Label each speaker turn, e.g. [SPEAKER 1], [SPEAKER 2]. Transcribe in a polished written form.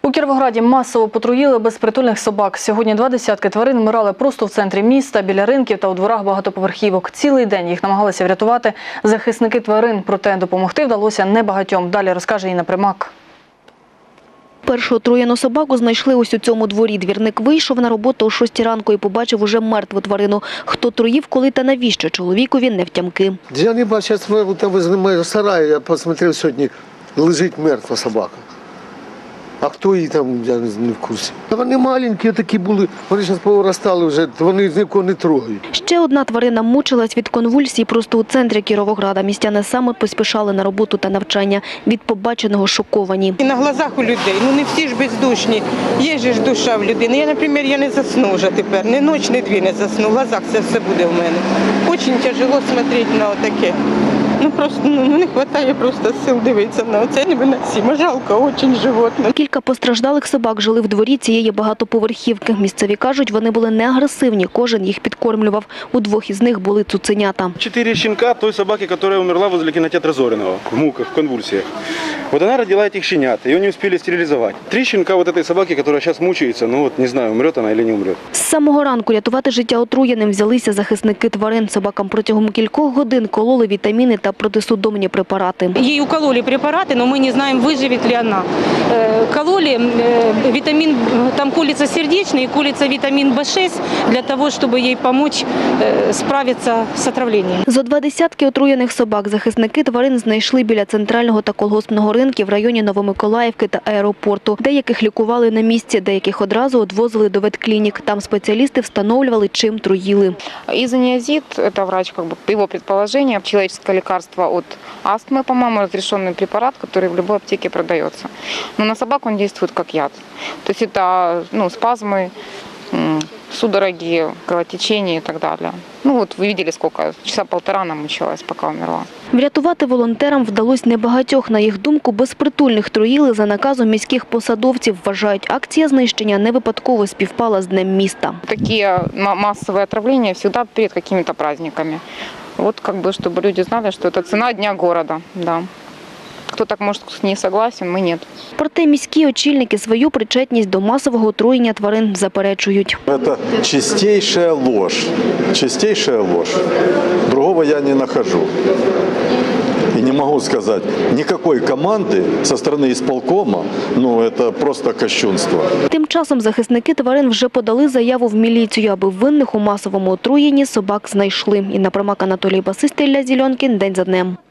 [SPEAKER 1] У Кіровограді масово потруїли безпритульних собак. Сьогодні 20 тварин вмирали просто в центрі міста, біля ринків та у дворах багатоповерхівок. Цілий день їх намагалися врятувати захисники тварин. Проте допомогти вдалося небагатьом. Далі розкаже Інна Примак.
[SPEAKER 2] Першу отруєну собаку знайшли ось у цьому дворі. Двірник вийшов на роботу о 6 ранку і побачив уже мертву тварину. Хто труїв, коли та навіщо, чоловікові невтямки.
[SPEAKER 3] Я не бачу, там возле сараю, я посмотрел сьогодні, лежить мертва собака. А хто її там, я не в курсі. Вони маленькі такі були, вони зараз повиростали вже, вони нікого не трогають.
[SPEAKER 2] Ще одна тварина мучилась від конвульсій просто у центрі Кіровограда. Містяни саме поспішали на роботу та навчання. Від побаченого шоковані.
[SPEAKER 4] І на глазах у людей, не всі ж бездушні, є ж душа в людини. Я, наприклад, я не засну вже тепер, ні ніч, ні дві не засну, в глазах це все буде в мене. Дуже тяжело дивитися на отаке. Просто не вистачає просто сил дивитися на це, невиносимо, жалко, дуже животне.
[SPEAKER 2] Кілька постраждалих собак жили в дворі цієї багатоповерхівки. Місцеві кажуть, вони були не агресивні, кожен їх підкормлював. У двох із них були цуценята.
[SPEAKER 5] 4 щенка той собаки, яка умерла возле кинотеатра Зориного, в муках, в конвульсиях. Вот она родила этих щенят, ее не успели стерилизовать. 3 щенка вот этой собаки, которая сейчас мучается, не знаю, умрет она или не умрет.
[SPEAKER 2] З самого ранку рятувати життя отруєним взялися захисники тварин. Собакам протягом кількох годин кололи вітаміни та протисудомні препарати.
[SPEAKER 6] Ей укололи препараты, но мы не знаем, выживет ли она. Кололи витамин, там колется сердечный и колется витамин В6 для того, чтобы ей помочь справиться с отравлением.
[SPEAKER 2] Зо 20 отруєних собак захисники тварин знайшли біля центрального та колгоспного ринків в районі Новомиколаївки та аеропорту. Деяких лікували на місці, деяких одразу відвозили до ветклінік. Там спеціалісти встановлювали, чим труїли.
[SPEAKER 7] Изониазид – это врач, по его предположению, человеческое лекарство от астмы, по-моему, разрешенный препарат, который в любой аптеке продается. Но на собак он действует как яд. То есть это спазмы, судороги, кровотечение и так далее. Вы видели, сколько, часа полтора она мучилась, пока умерла.
[SPEAKER 2] Врятувати волонтерам вдалося небагатьох. На їх думку, безпритульних труїли за наказом міських посадовців. Вважають, акція знищення не випадково співпала з Днем міста.
[SPEAKER 7] Такие массовые отравления всегда перед какими-то праздниками. Чтобы люди знали, что это цена дня города. Да. Хто так може не согласен, ми ні.
[SPEAKER 2] Проте міські очільники свою причетність до масового отруєння тварин заперечують.
[SPEAKER 8] Це чистейшая ложь. Чистейшая ложь. Другого я не нахожу. И не могу сказать, никакой команды со стороны исполкома, это просто кощунство.
[SPEAKER 2] Тим часом захисники тварин вже подали заяву в міліцію, аби винних у масовому отруєнні собак знайшли. Інна Примак, Анатолій Басистий, Ілля Зеленкін. День за днем.